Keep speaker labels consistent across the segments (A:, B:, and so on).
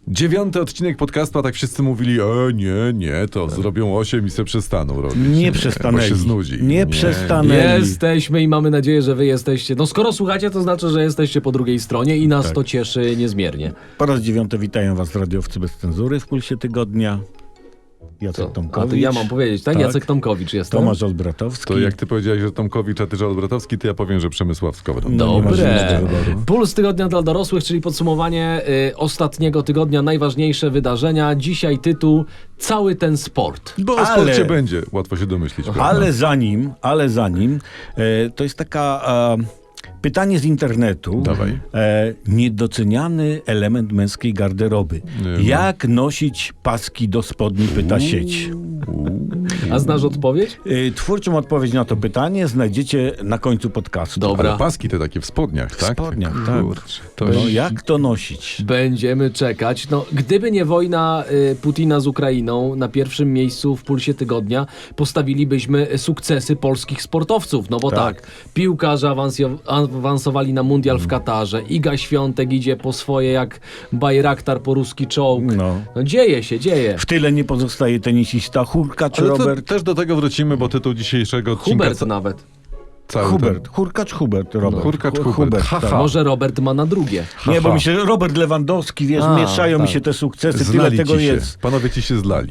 A: 9. odcinek podcastu, a tak wszyscy mówili, nie, to zrobią 8 i se przestaną robić.
B: Nie przestanęli.
A: Bo się znudzi.
B: Nie przestanęli.
C: Jesteśmy i mamy nadzieję, że wy jesteście. No skoro słuchacie, to znaczy, że jesteście po drugiej stronie i nas to cieszy niezmiernie.
B: Po raz 9 witają was radiowcy bez cenzury w Pulsie Tygodnia. Jacek Tomkowicz.
C: A to ja mam powiedzieć, tak? Jacek Tomkowicz jestem.
B: Tomasz Olbratowski.
A: To jak ty powiedziałeś, że Tomkowicz, a ty, że Olbratowski, to ja powiem, że Przemysław Skowron.
B: No, nie masz
C: Dobre.
B: innego wyboru.
C: Puls tygodnia dla dorosłych, czyli podsumowanie ostatniego tygodnia, najważniejsze wydarzenia. Dzisiaj tytuł Cały ten sport.
A: Bo o sporcie będzie, łatwo się domyślić. prawda?
B: Ale zanim, to jest taka pytanie z internetu.
A: Dawaj.
B: Niedoceniany element męskiej garderoby. Jak nosić paski do spodni, pyta sieć.
C: A znasz odpowiedź?
B: Twórczą odpowiedź na to pytanie znajdziecie na końcu podcastu.
C: Dobra.
A: Ale paski te takie w spodniach, tak?
B: W spodniach, tak.
A: Kurczę, to
B: No, jak to nosić?
C: Będziemy czekać. No, gdyby nie wojna Putina z Ukrainą, na pierwszym miejscu w Pulsie Tygodnia postawilibyśmy sukcesy polskich sportowców. No bo tak, piłkarze awansowali na mundial w Katarze. Iga Świątek idzie po swoje jak Bajraktar po ruski czołg. No dzieje się, dzieje.
B: W tyle nie pozostaje tenisista Hurkacz
A: Ale
B: Robert.
A: też do tego wrócimy, bo tytuł dzisiejszego odcinka...
C: Hubert nawet.
A: cały
B: Hubert. Hurkacz Hubert, Robert.
A: Hurkacz Hubert. Haha.
B: tak.
C: Może Robert ma na drugie.
B: Nie, bo mi się Robert Lewandowski, wiesz, mieszają mi się te sukcesy, tyle
A: Zlali
B: tego
A: ci się.
B: jest.
A: Panowie ci się zlali.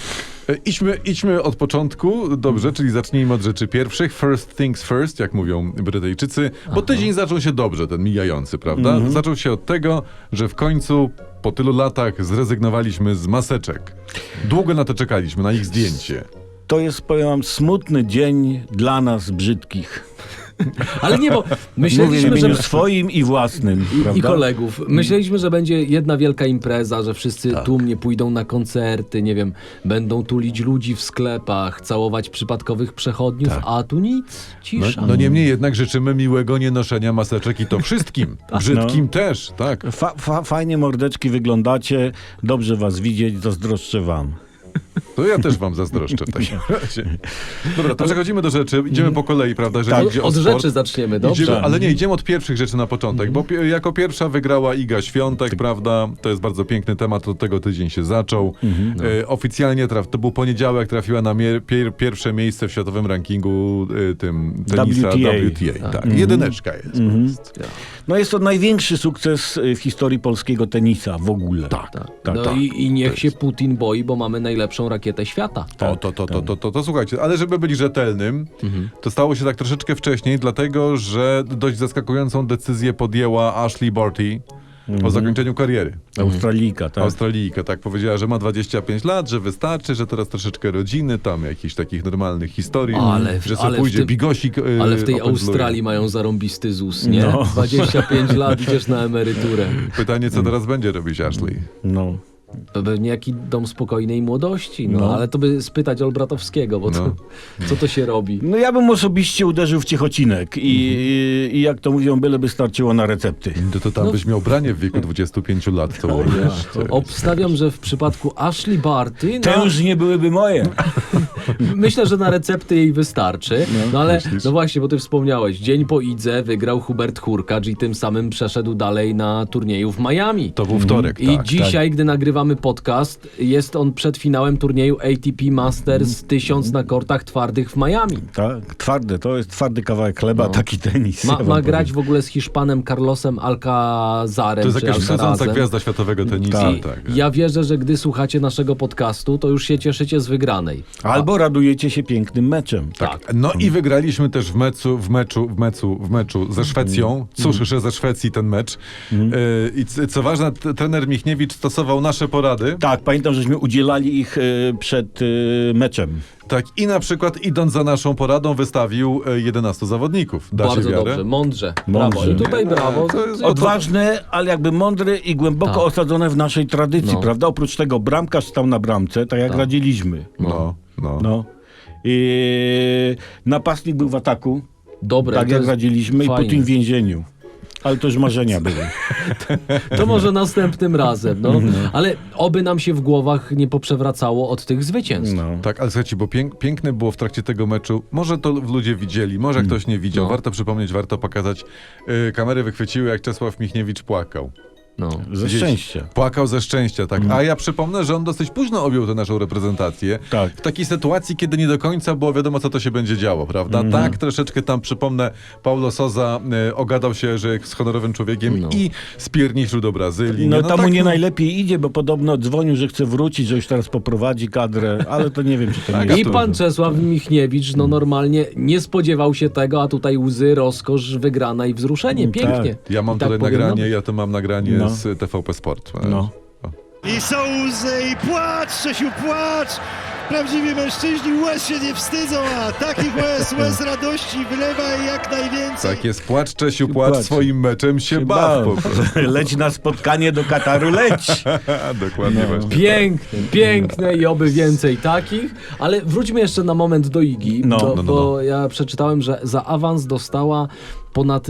A: Idźmy od początku, dobrze, czyli zacznijmy od rzeczy pierwszych. First things first, jak mówią Brytyjczycy, bo tydzień zaczął się dobrze, ten mijający, prawda? Zaczął się od tego, że w końcu po tylu latach zrezygnowaliśmy z maseczek. Długo na to czekaliśmy, na ich zdjęcie.
B: To jest, powiem wam, smutny dzień dla nas brzydkich.
C: Ale nie, bo
B: Mówię w
C: myśleliśmy,
B: imieniu
C: że...
B: swoim i własnym,
C: I
B: prawda?
C: kolegów. Myśleliśmy, że będzie jedna wielka impreza, że wszyscy tłumnie pójdą na koncerty, nie wiem, będą tulić ludzi w sklepach, całować przypadkowych przechodniów, a tu nic, cisza.
A: No niemniej jednak życzymy miłego nienoszenia maseczek i to wszystkim. Brzydkim też, tak.
B: Fajnie mordeczki wyglądacie, dobrze was widzieć, zazdroszczę wam.
A: To ja też wam zazdroszczę w takim razie. Dobra, to przechodzimy do rzeczy. Idziemy po kolei, prawda? Jeżeli idzie o
C: Od
A: sport.
C: rzeczy zaczniemy, dobrze?
A: Ale nie, idziemy od pierwszych rzeczy na początek, bo jako pierwsza wygrała Iga Świątek, prawda? To jest bardzo piękny temat, od tego tydzień się zaczął. Oficjalnie to był poniedziałek, trafiła na pierwsze miejsce w światowym rankingu tym tenisa WTA. Tak, jedyneczka jest.
B: No jest to największy sukces w historii polskiego tenisa w ogóle.
C: Tak. I niech się Putin boi, bo mamy najlepszą rakietę świata.
A: To słuchajcie, ale żeby być rzetelnym, to stało się tak troszeczkę wcześniej, dlatego, że dość zaskakującą decyzję podjęła Ashley Barty o zakończeniu kariery.
B: Australijka, tak.
A: Australijka, tak, powiedziała, że ma 25 lat, że wystarczy, że teraz troszeczkę rodziny, tam jakichś takich normalnych historii, że sobie pójdzie bigosik.
C: Ale w tej
A: opędzluje.
C: Australii mają zarąbisty ZUS, nie?
B: No.
C: 25 lat, idziesz na emeryturę.
A: Pytanie, co teraz będzie robić Ashley?
B: No.
C: To pewnie jaki dom spokojnej młodości, ale to by spytać Olbratowskiego, bo co to się robi?
B: No ja bym osobiście uderzył w ciechocinek i jak to mówią, byleby starczyło na recepty.
A: To tam byś miał branie w wieku 25 lat, to wiesz.
C: Obstawiam, że w przypadku Ashley Barty...
B: Te już nie byłyby moje.
C: Myślę, że na recepty jej wystarczy. No ale, no właśnie, bo ty wspomniałeś, dzień po Idze wygrał Hubert Hurkacz i tym samym przeszedł dalej na turnieju w Miami.
A: To był wtorek,
C: I dzisiaj, gdy nagrywamy podcast, jest on przed finałem turnieju ATP Masters 1000 na kortach twardych w Miami.
B: Tak, twarde, to jest twardy kawałek chleba, taki tenis.
C: Ma grać w ogóle z Hiszpanem Carlosem Alcazarem.
A: To jest jakaś wschodząca
C: Alcarazem.
A: gwiazda światowego tenisa. Tak.
C: Ja wierzę, że gdy słuchacie naszego podcastu, to już się cieszycie z wygranej.
B: Albo radujecie się pięknym meczem.
C: Tak.
A: No i wygraliśmy też w meczu ze Szwecją. Cóż, że ze Szwecji ten mecz. I co ważne, trener Michniewicz stosował nasze porady.
B: Tak, pamiętam, żeśmy udzielali ich przed meczem.
A: Tak, i na przykład idąc za naszą poradą wystawił 11 zawodników. Da
C: Bardzo
A: się wiarę?
C: dobrze, mądrze. Brawo. I tutaj brawo.
B: Odważne, ale jakby mądre i głęboko osadzone w naszej tradycji, prawda? Oprócz tego bramkarz stał na bramce, tak jak radziliśmy.
A: No.
B: I napastnik był w ataku,
C: Dobre.
B: tak jak radziliśmy,
C: fajne.
B: i Putin w więzieniu. Ale to już marzenia były.
C: To może następnym razem, Ale oby nam się w głowach nie poprzewracało od tych zwycięstw.
A: Tak, ale słuchajcie, bo piękne było w trakcie tego meczu, może to ludzie widzieli, może ktoś nie widział, warto przypomnieć, warto pokazać. Kamery wychwyciły, jak Czesław Michniewicz płakał.
C: No.
B: Ze
A: Gdzieś
B: szczęścia.
A: Płakał ze szczęścia, tak. A ja przypomnę, że on dosyć późno objął tę naszą reprezentację.
B: Tak.
A: W takiej sytuacji, kiedy nie do końca było wiadomo, co to się będzie działo, prawda? Tak, troszeczkę tam, przypomnę, Paulo Sousa ogadał się, że jest honorowym człowiekiem i spierniczył do Brazylii.
B: No tam
A: tak,
B: mu nie najlepiej idzie, bo podobno dzwonił, że chce wrócić, że już teraz poprowadzi kadrę, ale to nie wiem, czy to nie
A: Tak,
B: jest
C: I pan Czesław Michniewicz, no normalnie nie spodziewał się tego, a tutaj łzy, rozkosz, wygrana i wzruszenie. Pięknie.
A: Ja mam
C: I tak
A: tutaj
C: powinno
A: nagranie,
C: być.
A: ja to mam nagranie
B: No.
A: z TVP Sport.
B: No.
D: I są łzy, i płacz, Czesiu, płacz! Prawdziwi mężczyźni łez się nie wstydzą, a takich łez radości wylewaj jak najwięcej.
A: Tak jest, płacz Czesiu, płacz,
B: Płacz.
A: swoim meczem się baw po prostu.
B: Leć na spotkanie do Kataru, leć!
A: Dokładnie
B: No.
A: właśnie.
C: Piękne i oby więcej takich. Ale wróćmy jeszcze na moment do Igi,
B: No.
C: bo ja przeczytałem, że za awans dostała ponad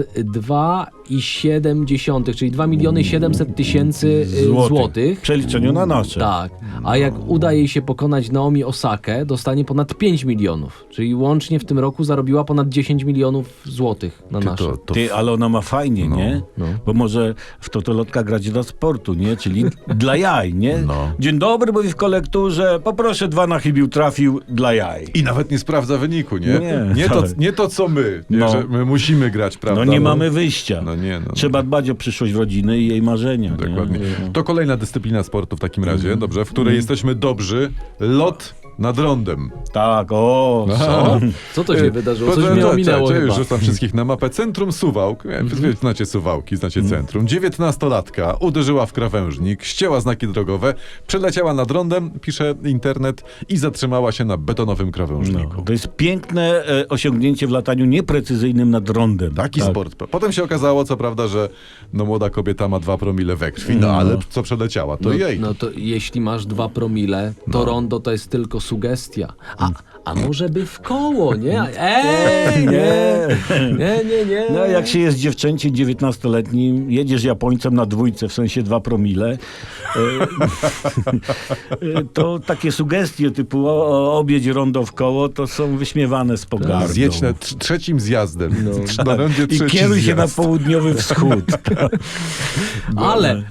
C: 2,7, czyli 2 700 000 złotych.
B: W przeliczeniu na nasze.
C: Tak, a jak uda jej się pokonać Naomi Osakę, dostanie ponad 5 milionów, czyli łącznie w tym roku zarobiła ponad 10 milionów złotych na nasze.
A: To
B: Ty, ale ona ma fajnie, nie?
C: no.
B: Bo może w totolotka grać dla sportu, nie? Czyli dla jaj, nie?
A: No.
B: Dzień dobry, mówi w kolekturze, poproszę 2 na chybił, trafił dla jaj.
A: I nawet nie sprawdza wyniku, nie?
B: Nie,
A: Nie to co my, nie?
B: No.
A: Że my musimy grać, prawda?
B: No nie mamy wyjścia.
A: No nie, no.
B: Trzeba dbać o przyszłość rodziny i jej marzenia.
A: Dokładnie.
B: Nie?
A: To kolejna dyscyplina sportu w takim razie, dobrze, w której jesteśmy dobrzy. Lot nad rondem.
B: Tak, o.
C: Co to się wydarzyło? Coś mnie ominęło
A: Już
C: chyba.
A: rzucam wszystkich na mapę. Centrum Suwałk. Znacie Suwałki, znacie centrum. 19-latka uderzyła w krawężnik, ścięła znaki drogowe, przeleciała nad rondem, pisze internet, i zatrzymała się na betonowym krawężniku.
B: No, to jest piękne osiągnięcie w lataniu nieprecyzyjnym nad rondem.
A: Taki
B: Tak.
A: sport. Potem się okazało, co prawda, że no, młoda kobieta ma 2 promile we krwi, no ale co przeleciała, to jej.
C: No to jeśli masz 2 promile, to rondo to jest tylko sugestia. A może by w koło, nie? Nie.
B: No jak się jest dziewczęciem 19-letnim, jedziesz Japońcem na 2, w sensie 2 promile, to takie sugestie typu objedź rondo w koło, to są wyśmiewane z pogardą.
A: Zjedź na trzecim zjazdem. Na rondzie
B: I
A: trzeci
B: kieruj się na
A: zjazd.
B: południowy wschód.
C: Ale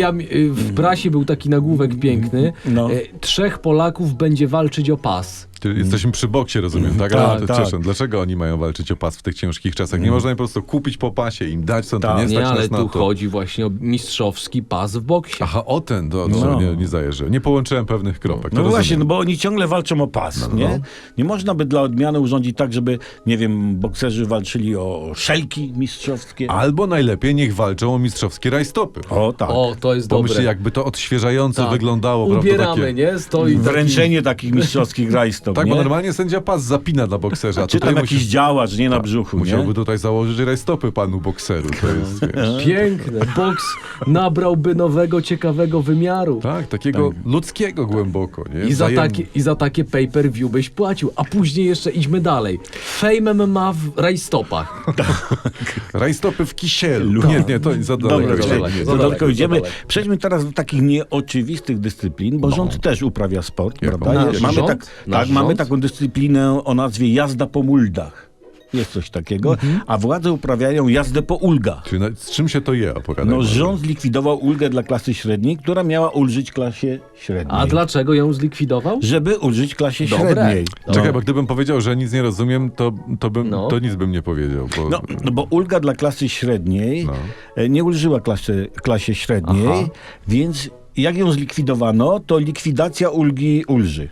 C: w prasie był taki nagłówek piękny.
B: No.
C: 3 Polaków będzie walczyć o pas.
A: Jesteśmy przy boksie, rozumiem, tak?
B: Tak,
A: Ale
B: tak.
A: przepraszam, dlaczego oni mają walczyć o pas w tych ciężkich czasach? Nie można im po prostu kupić po pasie, im dać, co to
B: Tak.
A: nie stać
C: Nie, ale
A: nas na
C: tu
A: to.
C: chodzi właśnie o mistrzowski pas w boksie.
A: Aha, o ten, to
B: No.
A: nie zajeżdżę. Nie połączyłem pewnych kropek. to
B: No właśnie,
A: rozumiem.
B: no bo oni ciągle walczą o pas, nie? Nie można by dla odmiany urządzić tak, żeby, nie wiem, bokserzy walczyli o szelki mistrzowskie.
A: Albo najlepiej niech walczą o mistrzowskie rajstopy.
B: O tak.
C: O, to jest
A: Pomyśl,
C: dobre.
A: jakby to odświeżająco
C: Tak.
A: wyglądało, prawda?
C: Ubieramy,
A: Takie...
C: nie? Stoi
B: Wręczenie takich mistrzowskich rajstop,
A: Tak,
B: nie?
A: bo normalnie sędzia pas zapina dla bokserza.
B: Czy tam jakiś działacz, nie na brzuchu,
A: Musiałby
B: nie?
A: tutaj założyć rajstopy panu bokseru. To jest, wiesz.
C: Piękne. Boks nabrałby nowego, ciekawego wymiaru.
A: Tak, takiego ludzkiego głęboko, nie?
C: I za takie pay-per-view byś płacił. A później jeszcze idźmy dalej. Fame MMA w rajstopach.
A: Rajstopy w kisielu. Nie, to za daleko.
B: Dobra,
C: za
B: czyli
C: daleko,
B: za
C: za
B: daleko
C: daleko,
B: idziemy.
C: za daleko.
B: Przejdźmy teraz do takich nieoczywistych dyscyplin, bo rząd też uprawia sport,
A: Jaką?
B: prawda?
C: Nasz
B: Mamy,
C: rząd? Nasz
B: mamy
C: rząd?
B: taką dyscyplinę o nazwie jazda po muldach. Jest coś takiego, a władze uprawiają jazdę po ulgach.
A: Czyli z czym się to je, opowiadaj.
B: No,
A: może.
B: rząd zlikwidował ulgę dla klasy średniej, która miała ulżyć klasie średniej.
C: A dlaczego ją zlikwidował?
B: Żeby ulżyć klasie
C: Dobre.
B: średniej.
A: Czekaj, bo gdybym powiedział, że nic nie rozumiem,
C: No.
A: to nic bym nie powiedział. Bo...
B: No bo ulga dla klasy średniej nie ulżyła klasie średniej,
C: Aha.
B: więc jak ją zlikwidowano, to likwidacja ulgi ulży.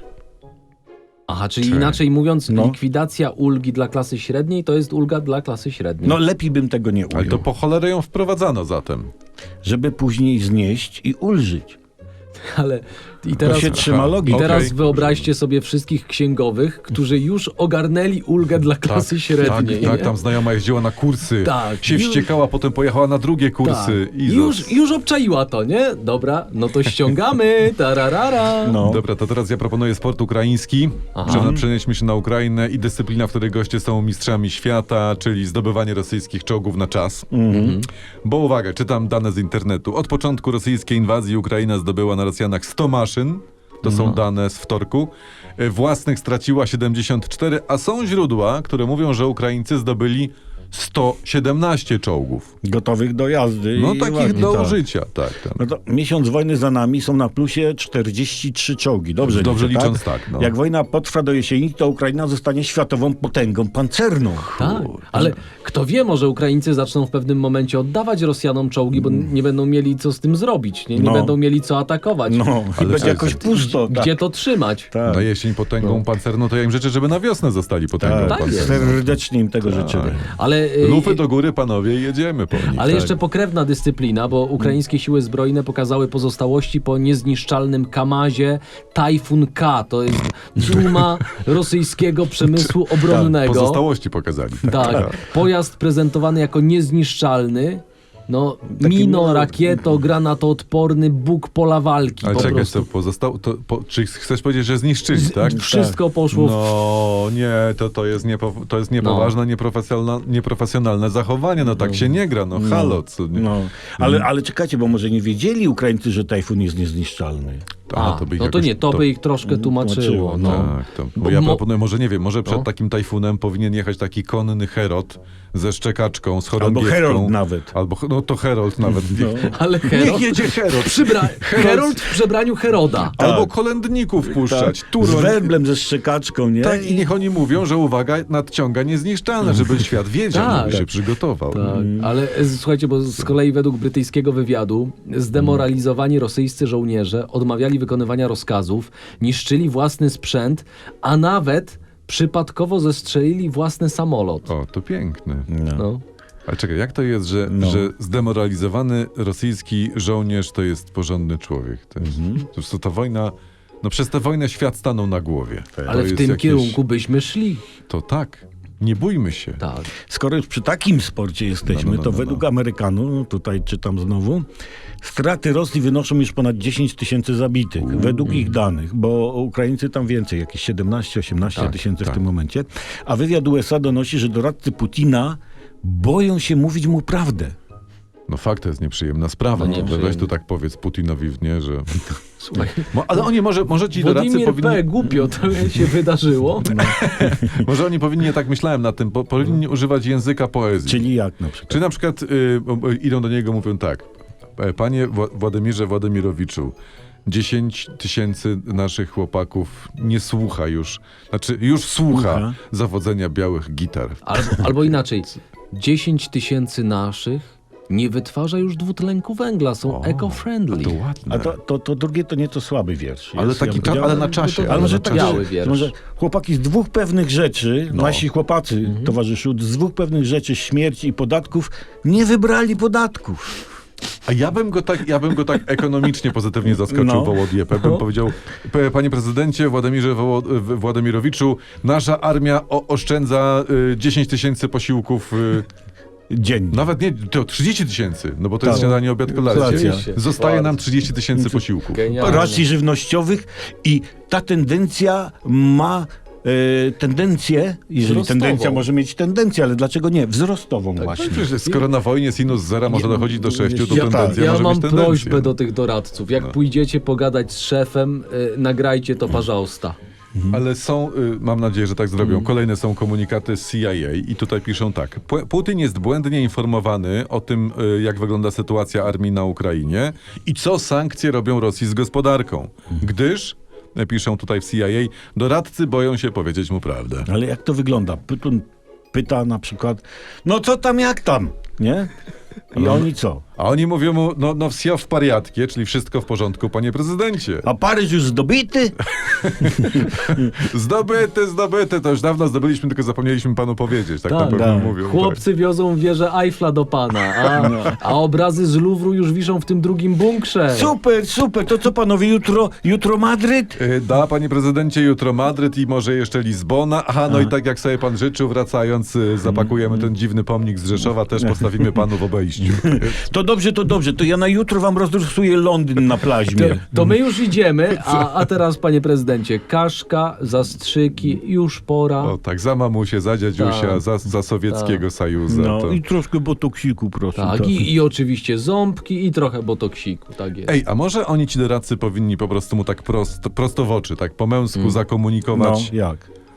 C: Aha, czyli
A: Czy-
C: inaczej mówiąc,
B: No.
C: likwidacja ulgi dla klasy średniej to jest ulga dla klasy średniej.
B: No lepiej bym tego nie
A: Ale
B: ujął.
A: to po cholerę ją wprowadzano zatem.
B: Żeby później znieść i ulżyć.
C: Ale i
B: To
C: teraz,
B: się trzyma
C: i
B: logiki.
C: teraz
A: Okej.
C: wyobraźcie sobie wszystkich księgowych, którzy już ogarnęli ulgę dla klasy średniej.
A: Tak,
C: nie?
A: tam znajoma jeździła na kursy,
C: Tak,
A: się
C: już-
A: wściekała, potem pojechała na drugie kursy.
C: Tak.
A: I
C: Już obczaiła to, nie? Dobra, no to ściągamy. Tararara.
B: No.
A: Dobra, to teraz ja proponuję sport ukraiński.
C: Aha.
A: Przenieśmy się na Ukrainę i dyscyplina, w której goście są mistrzami świata, czyli zdobywanie rosyjskich czołgów na czas. Bo uwaga, czytam dane z internetu. Od początku rosyjskiej inwazji Ukraina zdobyła na Rosjanach 100 maszyn. To są dane z wtorku. Własnych straciła 74, a są źródła, które mówią, że Ukraińcy zdobyli 117 czołgów.
D: Gotowych do jazdy.
A: No
D: i
A: takich
D: ładnie,
A: do
D: tak.
A: użycia, tak.
D: No to miesiąc wojny za nami, są na plusie 43 czołgi. Dobrze
A: licząc tak. No.
D: Jak wojna potrwa do jesieni, to Ukraina zostanie światową potęgą pancerną.
C: Tak, ale kto wie, może Ukraińcy zaczną w pewnym momencie oddawać Rosjanom czołgi, bo nie będą mieli co z tym zrobić, nie
D: No.
C: będą mieli co atakować.
D: No, i
A: Ale
D: będzie
A: słuchaj,
D: jakoś pusto.
C: Gdzie to trzymać?
D: Tak.
A: Na jesień potęgą pancerną, to ja im życzę, żeby na wiosnę zostali potęgą
D: Tak,
C: jest.
A: pancerną.
D: serdecznie im tego życzymy.
C: Ale,
A: Lufy do góry, panowie, i jedziemy po nich.
C: ale jeszcze pokrewna dyscyplina, bo ukraińskie siły zbrojne pokazały pozostałości po niezniszczalnym Kamazie Tajfun K. To jest duma rosyjskiego przemysłu obronnego.
A: Pozostałości pokazali.
C: Tak, pojazd prezentowany jako niezniszczalny. No, mino, rakieto, granatoodporny Bóg pola walki.
A: Ale
C: po
A: czekaj,
C: prostu.
A: to pozostało. Czy chcesz powiedzieć, że zniszczyli, tak?
C: Wszystko poszło w...
A: No nie, to jest niepoważne, nieprofesjonalne zachowanie. No tak się nie gra, no halo. Co, nie?
D: No, ale czekajcie, bo może nie wiedzieli Ukraińcy, że Tajfun jest niezniszczalny.
A: by ich
C: no to
A: jakoś-
C: nie, to by ich troszkę tłumaczyło. No.
A: Tak, to, bo ja proponuję, może nie wiem, może przed takim tajfunem powinien jechać taki konny Herod ze szczekaczką, z chorągiewką.
D: Albo Herold nawet.
A: Albo, no to Herold nawet.
C: Ale Herold,
A: jedzie Herod.
C: Herold w przebraniu Heroda.
A: Albo kolędników puszczać.
D: Z
A: Turoń.
D: werblem, ze szczekaczką, nie?
A: Tak, i niech oni mówią, że uwaga, nadciąga niezniszczalne, żeby świat wiedział,
C: Tak.
A: żeby się przygotował.
C: Tak, ale słuchajcie, bo z kolei według brytyjskiego wywiadu zdemoralizowani rosyjscy żołnierze odmawiali wykonywania rozkazów, niszczyli własny sprzęt, a nawet przypadkowo zestrzelili własny samolot.
A: O, to piękne.
C: No.
A: Ale czekaj, jak to jest, że zdemoralizowany rosyjski żołnierz to jest porządny człowiek? To jest, po prostu ta wojna, no przez tę wojnę świat stanął na głowie. To
C: Ale w
A: jest
C: tym
A: jakieś-
C: kierunku byśmy szli.
A: To tak, nie bójmy się.
C: Tak.
D: Skoro już przy takim sporcie jesteśmy, to według Amerykanów, tutaj czytam znowu, straty Rosji wynoszą już ponad 10 tysięcy zabitych, według ich danych, bo Ukraińcy tam więcej, jakieś 17-18 tysięcy w tym momencie. A wywiad USA donosi, że doradcy Putina boją się mówić mu prawdę.
A: No fakt, to jest nieprzyjemna sprawa.
C: No
A: No,
C: nieprzyjemne.
A: weź tu tak powiedz Putinowi w nie, że... Ale oni może ci doradcy
C: Władimir
A: powinni...
C: P. głupio to się wydarzyło.
A: Może oni powinni, ja tak myślałem nad tym, powinni używać języka poezji.
D: Czyli jak na przykład?
A: Czy na przykład idą do niego, mówią tak: Panie Władimirze Władimirowiczu, 10 tysięcy naszych chłopaków nie słucha już, znaczy już słucha zawodzenia białych gitar.
C: Albo inaczej, 10 tysięcy naszych nie wytwarza już dwutlenku węgla, są eco-friendly.
A: To ładne.
D: A to drugie to nieco słaby wiersz.
A: Ale
D: jest,
A: taki
D: bym powiedział.
A: ale na czasie.
D: Ale może
A: na
D: tak,
A: czasie.
C: Biały wiersz.
D: może chłopaki z dwóch pewnych rzeczy, nasi chłopacy, towarzyszu, z dwóch pewnych rzeczy, śmierci i podatków, nie wybrali podatków.
A: A ja bym go tak ekonomicznie pozytywnie zaskoczył,
D: No.
A: Wołodiepę. Bym powiedział: Panie prezydencie Władimirze Władimirowiczu, nasza armia oszczędza 10 tysięcy posiłków.
D: Dzień.
A: Nawet nie, to 30 tysięcy, no bo to jest
D: Tak.
A: śniadanie, obiad, kolacja.
D: Kolacja.
A: Zostaje nam 30 tysięcy posiłków.
C: Genialne.
D: Racji żywnościowych i ta tendencja ma tendencję, jeżeli
C: Wzrostową.
D: tendencja może mieć tendencję, ale dlaczego nie? Wzrostową właśnie.
A: Przecież skoro na wojnie sinus zera może dochodzić do 6, to
D: Ja tak.
A: tendencja
C: Ja
A: może
C: mam
A: mieć tendencję.
C: prośbę do tych doradców. Jak pójdziecie pogadać z szefem, nagrajcie to pожалуйста.
A: Ale są, mam nadzieję, że tak zrobią, kolejne są komunikaty z CIA i tutaj piszą tak: Putin jest błędnie informowany o tym, jak wygląda sytuacja armii na Ukrainie i co sankcje robią Rosji z gospodarką. Gdyż, piszą tutaj w CIA, doradcy boją się powiedzieć mu prawdę.
D: Ale jak to wygląda? Putin pyta na przykład, no co tam, jak tam, nie? I oni co?
A: A oni mówią mu, no wsio w pariatkie, czyli wszystko w porządku, panie prezydencie.
D: A Paryż już zdobyty?
A: Zdobyte, to już dawno zdobyliśmy, tylko zapomnieliśmy panu powiedzieć. Tak,
C: Tak,
A: na pewno
D: tak.
A: mówią.
C: Chłopcy wiozą wieżę Eiffla do pana, a obrazy z Luwru już wiszą w tym drugim bunkrze.
D: Super, to co panowie, jutro Madryt?
A: Da, panie prezydencie, jutro Madryt i może jeszcze Lizbona. Aha, no i tak jak sobie pan życzył, wracając, zapakujemy ten dziwny pomnik z Rzeszowa, też postawimy panu w obejściu.
D: To dobrze, to ja na jutro wam rozrysuję Londyn na plaźmie.
C: To my już idziemy, a teraz, panie prezydencie, kaszka, zastrzyki, już pora.
A: O tak, za mamusię, za dziadziusia,
C: Tak.
A: za sowieckiego Sajuza.
D: No
A: To...
D: i troszkę botoksiku, proszę.
C: Tak, i oczywiście ząbki i trochę botoksiku, tak jest.
A: Ej, a może oni ci doradcy powinni po prostu mu tak prosto w oczy, tak po męsku
D: No,
A: zakomunikować?
D: jak?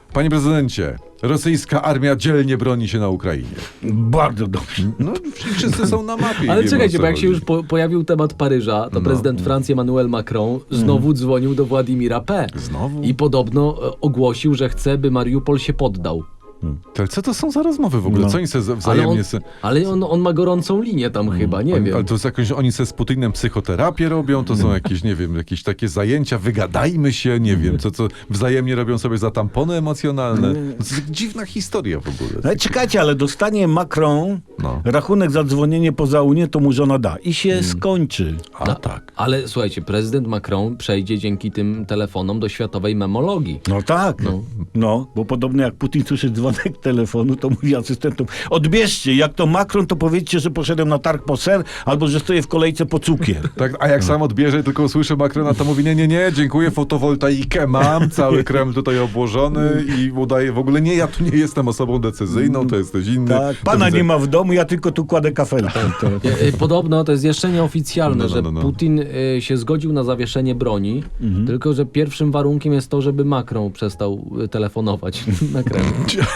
A: Panie prezydencie, rosyjska armia dzielnie broni się na Ukrainie.
D: Bardzo dobrze.
A: No, wszyscy są na mapie. i
C: Ale
A: wiemy,
C: czekajcie,
A: o co
C: bo jak się
A: chodzi.
C: już pojawił temat Paryża, to prezydent Francji Emmanuel Macron znowu dzwonił do Władimira P.
A: Znowu?
C: I podobno ogłosił, że chce, by Mariupol się poddał.
A: Ale co to są za rozmowy w ogóle?
D: No.
A: Co oni sobie wzajemnie...
C: Ale on ma gorącą linię tam chyba, nie wiem.
A: Ale to jest jakąś, oni se z Putinem psychoterapię robią, to są jakieś, nie wiem, jakieś takie zajęcia, wygadajmy się, nie wiem, co wzajemnie robią sobie za tampony emocjonalne. To jest dziwna historia w ogóle.
D: Ale czekajcie, ale dostanie Macron
A: No.
D: rachunek za dzwonienie poza Unię, to mu żona da. I się skończy.
A: A tak.
C: Ale słuchajcie, prezydent Macron przejdzie dzięki tym telefonom do światowej memologii.
D: No tak. No, bo podobno jak Putin słyszy dzwonek telefonu, to mówi asystentom, odbierzcie, jak to Macron, to powiedzcie, że poszedłem na targ po ser, albo że stoję w kolejce po cukier.
A: Tak, a jak sam odbierze, tylko usłyszę Macrona, to mówi, nie, dziękuję, fotowoltaikę mam, cały Kreml tutaj obłożony i udaje w ogóle, ja tu nie jestem osobą decyzyjną, to jesteś inny.
D: Tak, pana nie ma w domu, ja tylko tu kładę kafelkę.
C: Podobno to jest jeszcze nieoficjalne,
A: No.
C: że Putin się zgodził na zawieszenie broni, tylko że pierwszym warunkiem jest to, żeby Macron przestał telefonować na Kreml.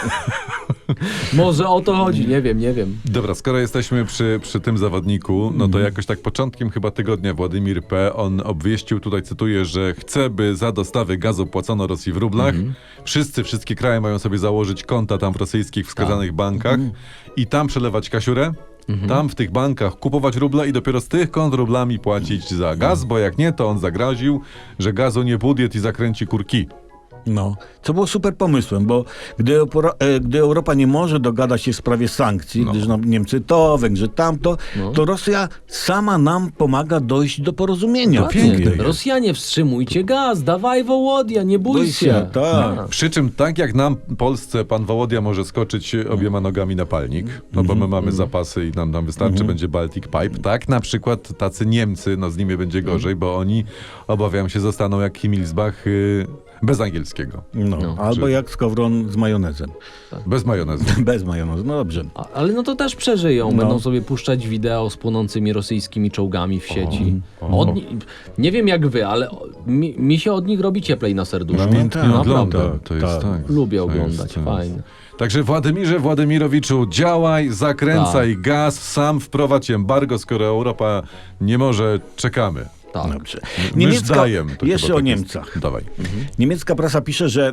C: Może o to chodzi, nie wiem.
A: Dobra, skoro jesteśmy przy tym zawodniku, no to jakoś tak początkiem chyba tygodnia Władimir P. on obwieścił, tutaj cytuję, że chce, by za dostawy gazu płacono Rosji w rublach. Wszystkie kraje mają sobie założyć konta tam w rosyjskich wskazanych bankach i tam przelewać kasiurę. Tam w tych bankach kupować ruble i dopiero z tych kont rublami płacić za gaz, bo jak nie, to on zagroził, że gazu nie budjet i zakręci kurki.
D: No, co było super pomysłem, bo gdy Europa nie może dogadać się w sprawie sankcji, gdyż Niemcy to, Węgrzy tamto, to Rosja sama nam pomaga dojść do porozumienia.
A: piękne jest.
C: Rosjanie, wstrzymujcie gaz, dawaj Wołodia, nie bój się.
D: Tak.
A: Przy czym tak jak nam, Polsce, pan Wołodia może skoczyć obiema nogami na palnik, no bo my mamy zapasy i nam wystarczy, będzie Baltic Pipe, tak na przykład tacy Niemcy, no z nimi będzie gorzej, bo oni, obawiam się, zostaną jak Himmelsbach bez angielskiego,
D: Albo jak skowron z majonezem.
A: bez majonezu.
D: Bez majonezu, no dobrze.
C: Ale no to też przeżyją. Będą sobie puszczać wideo z płonącymi rosyjskimi czołgami w sieci. Nie wiem jak wy, ale mi się od nich robi cieplej na serduszku.
A: Namiętnie
D: tak,
A: ogląda,
D: tak,
A: to jest tak.
C: Lubię
A: To
C: oglądać,
A: jest-
C: fajnie.
A: Także Władimirowiczu, działaj, zakręcaj gaz, sam wprowadź embargo, skoro Europa nie może, czekamy.
C: Tak.
D: Dobrze.
A: My już dajemy. To
D: Jeszcze
A: chyba
D: o
A: tak jest.
D: Niemcach.
A: Dawaj.
D: Niemiecka prasa pisze, że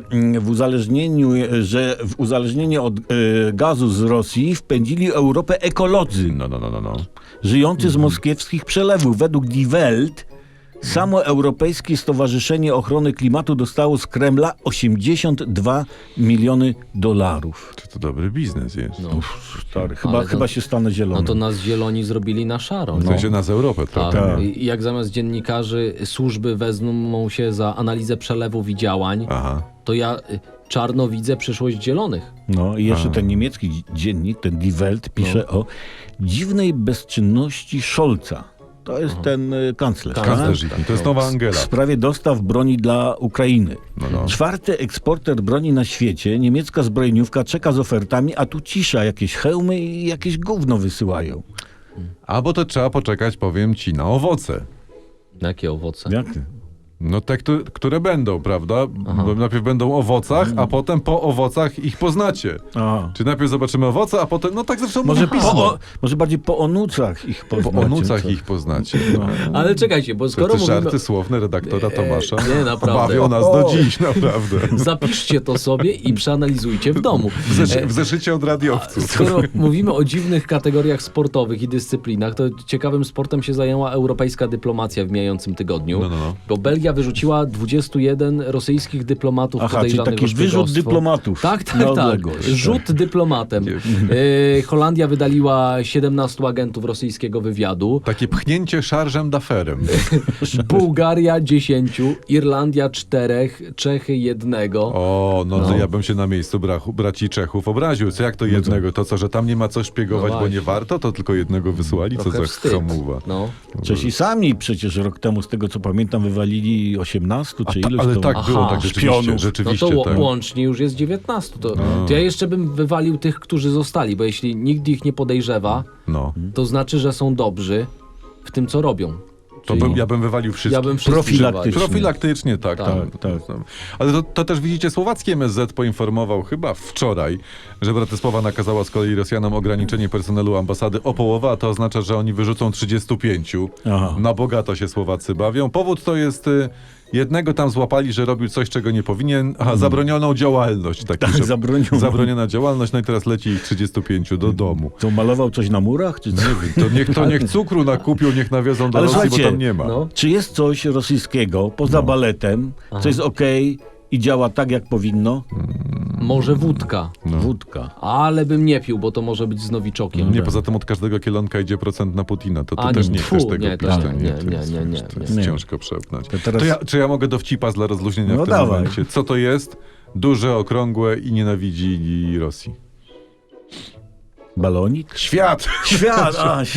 D: w uzależnienie od gazu z Rosji wpędzili Europę ekolodzy,
A: No.
D: żyjący z moskiewskich przelewów. Według Die Welt samo Europejskie Stowarzyszenie Ochrony Klimatu dostało z Kremla 82 miliony dolarów.
A: To dobry biznes jest.
D: Stary,
C: Ale
D: chyba się stanę zielony.
C: No to nas zieloni zrobili na szaro.
A: W sensie nas Europę
C: Tak.
A: trochę.
C: I jak zamiast dziennikarzy służby wezmą się za analizę przelewów i działań,
A: Aha.
C: to ja czarno widzę przyszłość zielonych.
D: No i jeszcze ten niemiecki dziennik, ten Die Welt, pisze o dziwnej bezczynności Scholza. To jest ten kanclerz.
A: Kanclerz, to jest nowa
D: W
A: Angela.
D: sprawie dostaw broni dla Ukrainy.
A: No.
D: Czwarty eksporter broni na świecie, niemiecka zbrojeniówka czeka z ofertami, a tu cisza, jakieś hełmy i jakieś gówno wysyłają.
A: Albo to trzeba poczekać, powiem ci, na owoce.
C: Jakie owoce?
D: Jak ty?
A: No te, które będą, prawda? Bo najpierw będą o owocach, a potem po owocach ich poznacie.
D: A.
A: Czy najpierw zobaczymy owoce, a potem, no tak zresztą może pismo.
D: Może bardziej po onucach ich
A: Po
D: poznacie.
A: onucach
D: co?
A: ich poznacie.
C: Ale czekajcie, bo
A: To
C: skoro
A: te
C: mówimy...
A: żarty słowne redaktora Tomasza
C: nie, naprawdę.
A: bawią nas do dziś, naprawdę.
C: Zapiszcie to sobie i przeanalizujcie w domu.
A: W zeszycie od radiowców.
C: Skoro mówimy o dziwnych kategoriach sportowych i dyscyplinach, to ciekawym sportem się zajęła europejska dyplomacja w mijającym tygodniu.
A: No.
C: Bo Belgia wyrzuciła 21 rosyjskich dyplomatów
D: Aha, czyli
C: podejrzanych
D: taki
C: o szpiegostwo.
D: wyrzut dyplomatów.
C: Tak.
D: Na odległość.
C: Rzut dyplomatem. Holandia wydaliła 17 agentów rosyjskiego wywiadu.
A: Takie pchnięcie szarżem d'aferem.
C: Bułgaria 10, Irlandia 4, Czechy 1.
A: O, no to ja bym się na miejscu braci Czechów obraził. Co jak to jednego? To co, że tam nie ma co szpiegować,
C: No
A: bo nie
C: właśnie.
A: warto? To tylko jednego wysłali? Co
C: Trochę
A: za
C: wstyd.
A: hamuwa.
C: No.
D: Czesi sami przecież rok temu, z tego co pamiętam, wywalili 18 czy iluś
A: Ale
D: to...
A: tak było,
C: Aha,
A: tak rzeczywiście,
D: szpionów.
C: No
A: rzeczywiście
C: to
A: tak.
C: łącznie już jest 19. To ja jeszcze bym wywalił tych, którzy zostali, bo jeśli nikt ich nie podejrzewa,
A: No.
C: to znaczy, że są dobrzy w tym, co robią.
A: To ja bym wywalił wszystkich.
C: Ja bym wszystkich
D: Profilaktycznie.
C: wywalił.
A: Profilaktycznie, tak.
D: Tak.
A: Ale to też widzicie, słowacki MSZ poinformował chyba wczoraj, że Bratysława nakazała z kolei Rosjanom ograniczenie personelu ambasady o połowę, a to oznacza, że oni wyrzucą 35.
D: Aha.
A: Na bogato się Słowacy bawią. Powód to jest... Jednego tam złapali, że robił coś, czego nie powinien. Aha, zabronioną działalność.
D: Tak, zabronioną.
A: Zabroniona działalność, no i teraz leci ich 35 do domu.
D: To malował coś na murach, czy co?
A: To niech cukru nakupią, niech nawiozą do
D: Ale
A: Rosji, bo
D: słuchajcie,
A: tam nie ma.
C: No.
D: Czy jest coś rosyjskiego poza baletem, co jest okej i działa tak, jak powinno?
C: Może wódka.
D: Wódka.
C: Ale bym nie pił, bo to może być z nowiczokiem.
A: Nie, poza tym od każdego kielonka idzie procent na Putina. To
C: A,
A: ty też
C: nie,
A: nie chcesz
C: tfu,
A: tego
C: nie,
A: pić.
C: tak,
A: to
C: nie,
A: to jest,
C: nie, nie,
A: to jest
D: nie.
A: ciężko przełknąć.
D: To teraz-
A: Czy ja mogę dowcipa dla rozluźnienia
D: No
A: w tym
D: dawaj.
A: momencie? Co to jest? Duże, okrągłe i nienawidzi Rosji.
D: Balonik?
A: Świat!
D: Świat!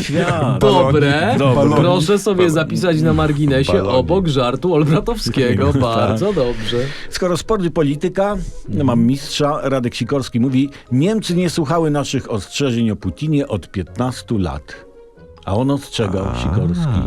C: Dobre.
D: Dobre.
C: Proszę sobie zapisać na marginesie
A: Balonik.
C: obok żartu Olbratowskiego. Bardzo dobrze.
D: Skoro sport i polityka, mam mistrza, Radek Sikorski mówi, Niemcy nie słuchały naszych ostrzeżeń o Putinie od 15 lat. A on ostrzegał, Sikorski.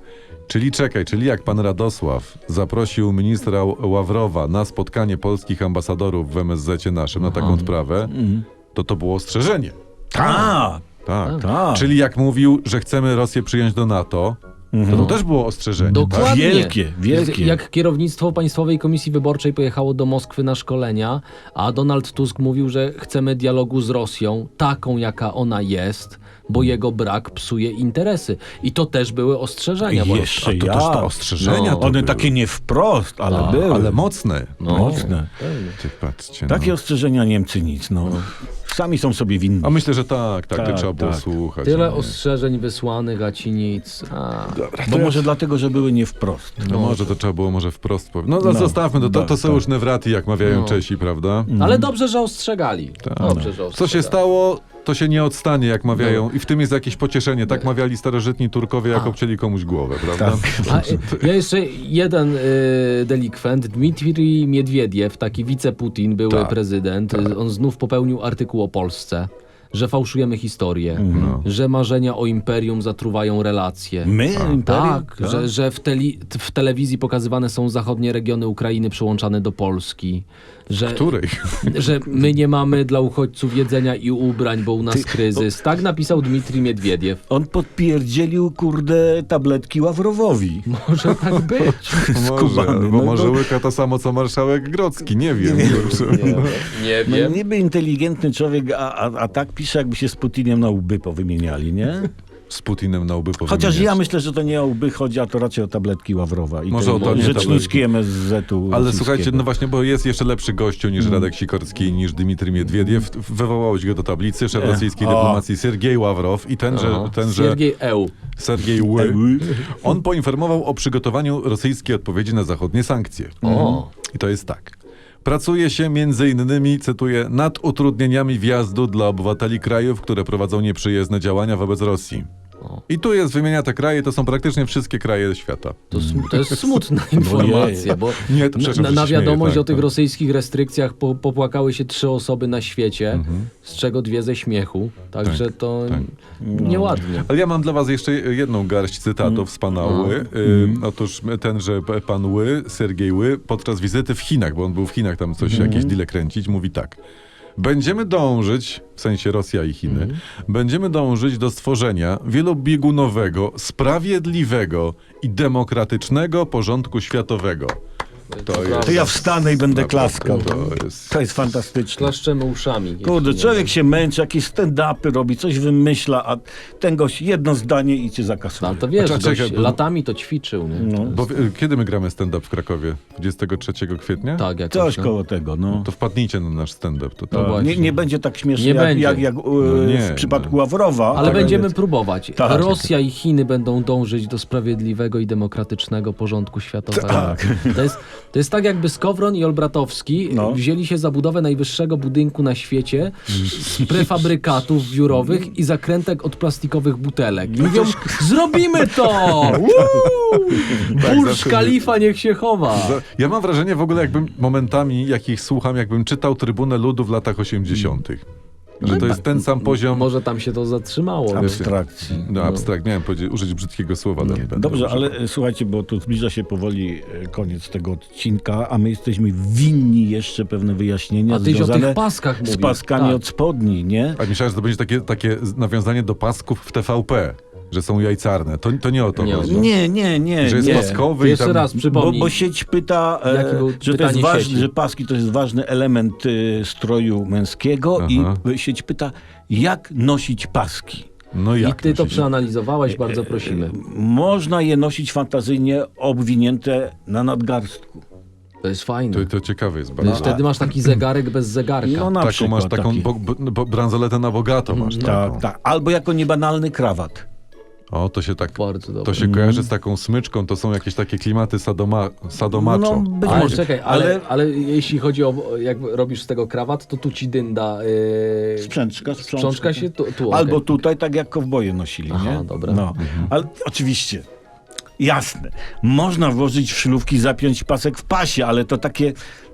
A: Czyli jak pan Radosław zaprosił ministra Ławrowa na spotkanie polskich ambasadorów w MSZ-cie naszym, na taką odprawę, to było ostrzeżenie.
D: Tak,
A: Tak.
D: tak.
A: Czyli jak mówił, że chcemy Rosję przyjąć do NATO, to też było ostrzeżenie. Tak?
C: Dokładnie.
D: Wielkie.
C: Jak kierownictwo Państwowej Komisji Wyborczej pojechało do Moskwy na szkolenia, a Donald Tusk mówił, że chcemy dialogu z Rosją, taką jaka ona jest, bo jego brak psuje interesy. I to też były ostrzeżenia.
D: I
C: bo-
D: jeszcze
A: To też te ostrzeżenia
C: No.
A: to
D: One
A: były.
D: takie nie wprost, ale były.
A: Ale mocne.
C: No.
D: Mocne.
A: Ty patrzcie.
D: Takie
A: No.
D: ostrzeżenia Niemcy nic, no. Sami są sobie winni.
A: A myślę, że tak,
D: Tak,
A: trzeba było
D: tak.
A: słuchać.
C: Tyle
A: nie?
C: ostrzeżeń wysłanych, a ci nic.
D: Bo może dlatego, że były nie wprost.
A: No może to trzeba było może wprost powiedzieć. No, zostawmy to, to są już newraty, jak mawiają Czesi, prawda?
C: Ale dobrze, że ostrzegali. Dobrze, że
A: Co
C: ostrzegali.
A: się stało, to się nie odstanie, jak mawiają. I w tym jest jakieś pocieszenie. Tak mawiali starożytni Turkowie, jak obcięli komuś głowę, prawda?
C: Ja jeszcze jeden delikwent. Dmitrij Miedwiediew, taki wice-Putin, były
A: Tak,
C: prezydent. On znów popełnił artykuł o Polsce, że fałszujemy historię, że marzenia o imperium zatruwają relacje.
D: My, imperium?
C: Tak, że w telewizji pokazywane są zachodnie regiony Ukrainy przyłączane do Polski. Że,
A: Której?
C: że my nie mamy dla uchodźców jedzenia i ubrań, bo u nas kryzys. Tak napisał Dmitrij Miedwiediew.
D: On podpierdzielił, kurde, tabletki Ławrowowi.
C: Może tak być.
D: Skubany,
A: Bo
D: no
A: może
D: to-
A: łyka to samo, co marszałek Grodzki. Nie wiem.
C: Nie
D: No,
C: wiem.
D: niby inteligentny człowiek, a tak pisze, jakby się z Putinem na łby powymieniali, nie?
A: Z Putinem na łby
D: Chociaż ja myślę, że to nie o łby chodzi, a to raczej o tabletki Ławrowa. I
A: Może
D: te
A: o to nie
D: rzeczniczki MSZ-u
A: Ale
D: rosyjskiego.
A: słuchajcie, no właśnie, bo jest jeszcze lepszy gościu niż Radek Sikorski, niż Dmitrij Miedwiediew. Wywołałeś go do tablicy, szef rosyjskiej dyplomacji Sergiej Ławrow i tenże
C: Siergiej Eł.
A: Sergiej Ły, on poinformował o przygotowaniu rosyjskiej odpowiedzi na zachodnie sankcje.
C: O.
A: I to jest tak. Pracuje się między innymi, cytuję, nad utrudnieniami wjazdu dla obywateli krajów, które prowadzą nieprzyjazne działania wobec Rosji. I tu jest, wymienia te kraje, to są praktycznie wszystkie kraje świata.
C: To jest smutna informacja, bo
A: Nie, to przepraszam, że
C: na
A: się śmieję,
C: wiadomość
A: tak,
C: o tych
A: tak.
C: rosyjskich restrykcjach popłakały się 3 osoby na świecie, z czego 2 ze śmiechu. Także to nieładnie.
A: Ale ja mam dla was jeszcze jedną garść cytatów z pana Ły. Otóż tenże pan Ły, Sergiej Ły, podczas wizyty w Chinach, bo on był w Chinach tam coś, jakieś deale kręcić, mówi tak. Będziemy dążyć, w sensie Rosja i Chiny, będziemy dążyć do stworzenia wielobiegunowego, sprawiedliwego i demokratycznego porządku światowego.
D: To ja wstanę i będę
A: Naprawdę,
D: klaskał.
A: to jest-
D: To jest fantastyczne.
C: Klaszczemy uszami.
D: Kurde,
C: jeśli nie
D: człowiek się męczy, jakieś stand-upy robi, coś wymyśla, a ten gość jedno zdanie i cię zakasuje.
C: No, to wiesz,
A: Czekaj,
C: gość
A: bo-
C: latami to ćwiczył, nie?
D: No.
A: Bo kiedy my gramy stand-up w Krakowie? 23 kwietnia?
C: Tak, jakoś,
D: Coś
C: no.
D: koło tego, no.
A: To wpadnijcie na nasz stand-up. To
C: No właśnie.
D: Nie będzie tak śmiesznie
C: Nie
D: jak,
C: będzie.
D: jak
A: nie,
D: w przypadku Ławrowa.
C: Ale
D: tak,
C: będziemy próbować.
D: Tak.
C: Rosja i Chiny będą dążyć do sprawiedliwego i demokratycznego porządku światowego.
D: Tak.
C: To jest tak, jakby Skowron i Olbratowski
D: No.
C: wzięli się za budowę najwyższego budynku na świecie z prefabrykatów biurowych i zakrętek od plastikowych butelek. I mówią, zrobimy to! Burcz
A: zawsze-
C: Khalifa niech się chowa.
A: Ja mam wrażenie w ogóle, jakbym momentami, jak ich słucham, jakbym czytał Trybunę Ludu w latach 80. Że to jest ten sam poziom...
C: Może tam się to zatrzymało. wiesz.
D: Abstrakcji.
A: No, abstrakt. Miałem użyć brzydkiego słowa, ale nie będę
D: Dobrze,
A: używał.
D: ale słuchajcie, bo tu zbliża się powoli koniec tego odcinka, a my jesteśmy winni jeszcze pewne wyjaśnienia
C: A tyś o
D: związane
C: tych paskach
D: z
C: mówił.
D: paskami
C: Tak.
D: od spodni, nie?
A: A myślałem, że to będzie takie nawiązanie do pasków w TVP, że są jajcarne. To nie o to
C: Nie,
A: chodzi.
D: Nie,
A: Że jest
D: nie.
A: paskowy i
C: Jeszcze
A: tam...
C: raz
D: Bo,
C: przypomnij.
D: bo sieć pyta,
C: Jakie było
D: że to jest
C: pytanie
D: ważne,
C: sieci?
D: że paski to jest ważny element stroju męskiego
A: Aha.
D: i sieć pyta, jak nosić paski.
A: No
C: I
A: jak
C: ty to
A: nosić?
C: przeanalizowałeś, bardzo prosimy.
D: Można je nosić fantazyjnie obwinięte na nadgarstku.
C: To jest fajne.
A: To ciekawe jest
C: Wiesz,
A: bardzo.
C: wtedy masz taki zegarek bez zegarka.
D: No na
A: Taką
D: przykład
A: masz taką
D: taki.
A: bransoletę na bogato masz taką.
D: Tak, tak. Albo jako niebanalny krawat.
A: O, to się tak...
C: Bardzo dobre.
A: To się kojarzy z taką smyczką, to są jakieś takie klimaty sadomacho.
D: No, być
C: Ale
D: może.
C: czekaj, ale jeśli chodzi o, jak robisz z tego krawat, to tu ci dynda.
D: Sprzączka.
C: Sprzączka się tu.
D: Albo
C: okej.
D: tutaj, tak jak kowboje nosili,
C: Aha,
D: nie?
C: dobra.
D: No. Ale oczywiście, jasne, można włożyć w szlówki, zapiąć pasek w pasie, ale to takie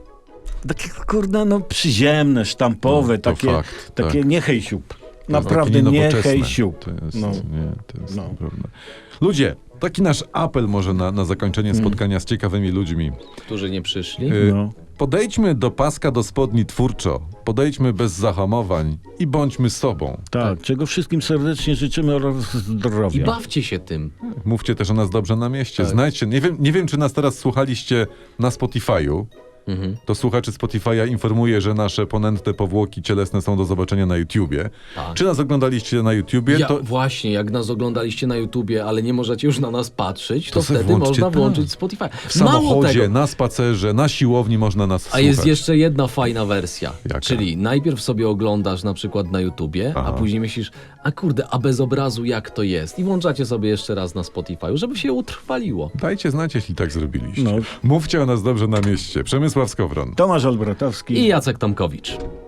D: kurde, no przyziemne, sztampowe,
A: No, to
D: takie,
A: fakt,
D: takie
A: tak.
D: nie hejsiup.
A: To jest
D: Naprawdę
A: takie
D: nie
A: nienowoczesne.
D: hejsiup.
A: To jest,
D: No.
A: nie, to jest
D: No.
A: naprawdę... Ludzie, taki nasz apel może na zakończenie spotkania z ciekawymi ludźmi.
C: Którzy nie przyszli.
D: No.
A: Podejdźmy do paska do spodni twórczo, podejdźmy bez zahamowań i bądźmy sobą.
D: Tak, czego wszystkim serdecznie życzymy oraz
C: I
D: zdrowia.
C: bawcie się tym.
A: Mówcie też o nas dobrze na mieście.
C: Tak.
A: Znajdźcie, nie wiem, czy nas teraz słuchaliście na Spotify'u. To słuchaczy Spotify'a informuje, że nasze ponętne powłoki cielesne są do zobaczenia na YouTubie.
C: Tak.
A: Czy nas oglądaliście na YouTubie, to
C: Właśnie, jak nas oglądaliście na YouTubie, ale nie możecie już na nas patrzeć, to
A: se
C: wtedy
A: włączcie
C: można
A: tam.
C: włączyć Spotify.
A: w
C: Mało
A: samochodzie,
C: tego,
A: na spacerze, na siłowni można nas
C: a
A: słuchać.
C: jest jeszcze jedna fajna wersja.
A: Jaka?
C: Czyli najpierw sobie oglądasz na przykład na YouTubie,
A: Aha.
C: a później myślisz, a kurde, a bez obrazu jak to jest? I włączacie sobie jeszcze raz na Spotify, żeby się utrwaliło.
A: Dajcie znać, jeśli tak zrobiliście.
D: No.
A: Mówcie o nas dobrze na mieście. Przemysław Skowron.
D: Tomasz Olbratowski.
C: I Jacek Tomkowicz.